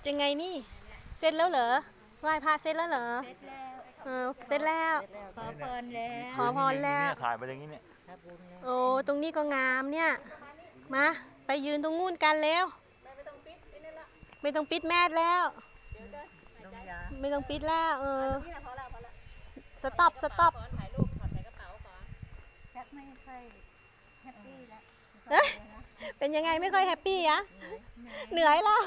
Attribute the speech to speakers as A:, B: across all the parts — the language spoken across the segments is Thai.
A: ยังไงนี่เสร็จแล้วเหรอไหว้พระเสร็จแล้วเหรอ
B: เสร็จแล้ว
A: เสร็จแล้ว
B: ขอพรแล้ว
A: ขอพรแล้ว
C: ถ่ายไปอย่างนี้เนี่ย
A: โอ้ตรงนี้ก็งามเนี่ยมาไปยืนตรงงูนกันแล้วไม่ต้องปิดแมสแล้วไม่ต้องปิดแล้วสต็อป
B: ไม่ค่อยแฮปปี้แล้ว
A: เป็นยังไงไม่ค่อยแฮปปี้อะเหนื่อยแล้ว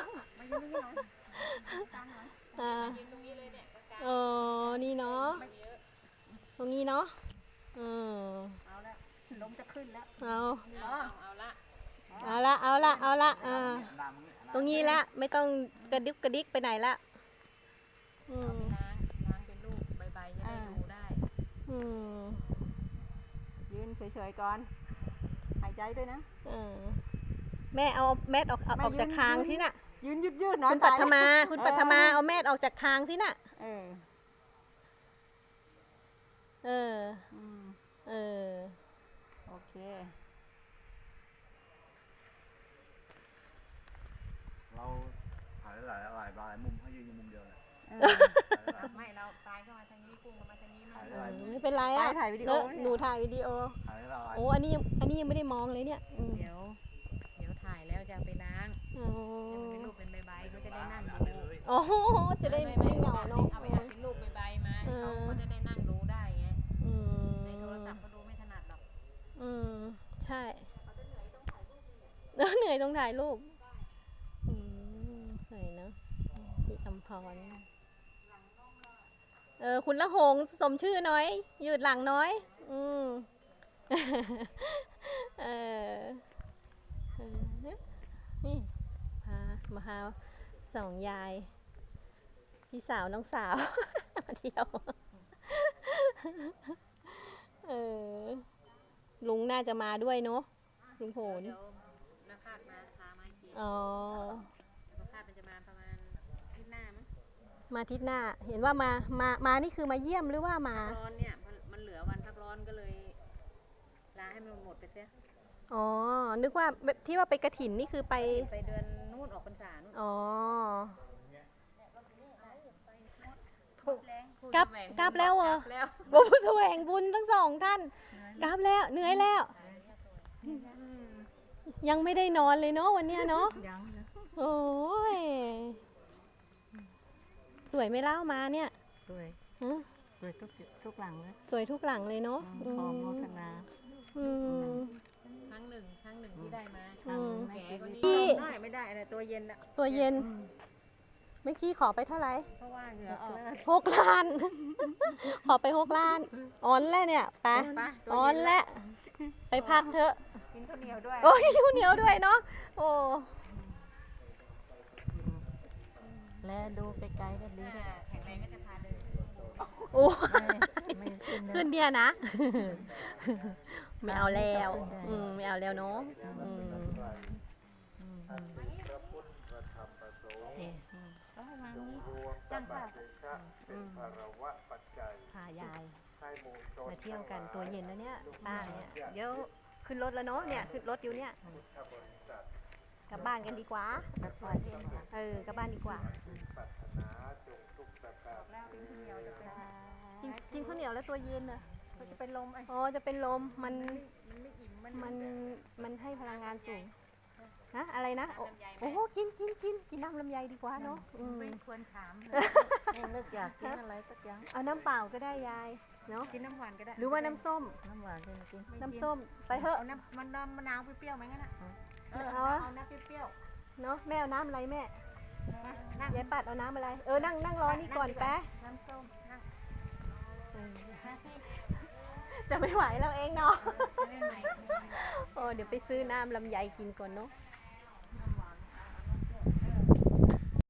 A: เออนี่เนาะตรงนี้เนาะ
B: เอาละลมจะขึ้นแล้ว
A: เอาละตรงนี้ละไม่ต้องกระดิกไปไหนละ
B: ล้างเป็นลูกใบๆจะได้ดูได้ยืนเฉยๆก่อนหายใจด้วยนะ
A: แม่เอาแมสออกจากคางที่น่ะ
B: ยืนยืดๆหน่อย
A: คุณปัทมาเอาแมสออกจากคางที่น่ะ
B: โอเค
C: เราถ่ายหลายมุมให้ยืนมุมเดียวเลย
B: ไม่เราตายเข้ามาทางนี้พุ่งเข้ามาทางนี้
A: ไม่เป็นไรอ่ะ
B: ถ่ายวิดีโอ
A: หนูถ่ายวิดีโอโอ้อันนี้ยังไม่ได้มองเลยเนี่ย
B: เดี๋ยวถ่ายแล้วจะไปล้างเป็นรูปเป็นใบๆเขาจะได้นั่งดู
A: โอ้จะได้ไม่เหงาเนาะ
B: เอาไปหัดเป็นรูปใบๆมาเขาจะได้นั่งดูได้ไงในโทรศัพท์เขาดูไม่ถนัดหรอก
A: ใช่เหนื่อยต้องถ่ายรูปเหนื่อยเนาะพี่อำพรคุณละหงสมชื่อน้อยยืดหลังน้อยนี่มาหาสองยายพี่สาวน้องสาวมาเที่ยวลุงน่าจะมาด้วยเนาะลุงโผล่
B: เดี๋ยวนักภาคมาพามาอีกนักภาคมันจะมาประมาณอาทิตย์หน้ามั้ง
A: มาอาทิตย์หน้าเห็นว่ามานี่คือมาเยี่ยมหรือว่ามา
B: ร้อนเนี่ยมันเหลือวันพักร้อนก็เลยลาให้มันหมดไปเสีย
A: นึกว่าที่ว่าไปกฐินนี่คือไป
B: เดือนนู่นออกพรรษานู่น
A: กลับแล้วเหรอบุญแสวงบุญทั้งสองท่านกลับแล้วเหนื่อยแล้วยังไม่ได้นอนเลยเนาะวันเนี้ยเนาะโอ้ยสวยไม่เล่ามาเนี่ย
B: สวยทุกหลังเลย
A: สวยทุกหลังเลยเนาะ
B: ขอโมทนาครั้งหนึ่งที่ได้มาแก่ก็นี่ไม่ได้อะไรตัวเย็นอะ
A: ตัวเย็นเมื่อกี้ขอไปเท่าไหร่
B: เพราะว่าเหงื่อออก
A: 6 ล้านขอไป6 ล้านอ่อนแล้วเนี่ยไปอ่อนแล้วไปพักเถอะ
B: กินข้าวเหนียวด้วย
A: โอ้ยกินข้าวเหนียวด้วยเนาะโอ้
B: และดูไกลๆก็ดีด้วยแข็งแรงก็จะพาเดิน
A: โอ้ขึ้นเดียนะไม่เอาแล้วไม่เอาแล้วเนาะ
B: จังค่ะ
A: พายายมาเที่ยวกันตัวเย็นแล้วเนี่ยป้าเนี่ยเดี๋ยวขึ้นรถแล้วเนาะเนี่ยขึ้นรถอยู่เนี่ยกลับบ้านกันดีกว่ากลับบ้านดีกว่ากินข้าวเหนียวแล้วตัวเย็นอ่ะ
B: จะเป็นลม
A: จะเป็นลมมันให้พลังงานสูงอะไรนะโอ้กินน้ำลำไยดีกว่าเนาะ
B: ไม่ควรถามเลิกอยากกินอะไรสักอย่าง
A: เอาน้ำเปล่าก็ได้ยายเนาะ
B: กินน้ำหวานก็ได้
A: หรือว่าน้ำส้มน้ำส้มไปเถอะ
B: เอาน้ำมะนาวเปรี้ยวไหมงั้นอ่ะเอาน้ำเปรี้ยว
A: เนาะแม่เอาน้ำอะไรแม่ยายปัดเอาน้ำอะไรนั่งรอนี่ก่อนแป๊ะ
B: น้ำส้ม
A: จะไม่ไหวแล้วเองเนาะเดี๋ยวไปซื้อน้ำลำไยกินก่อนเนาะ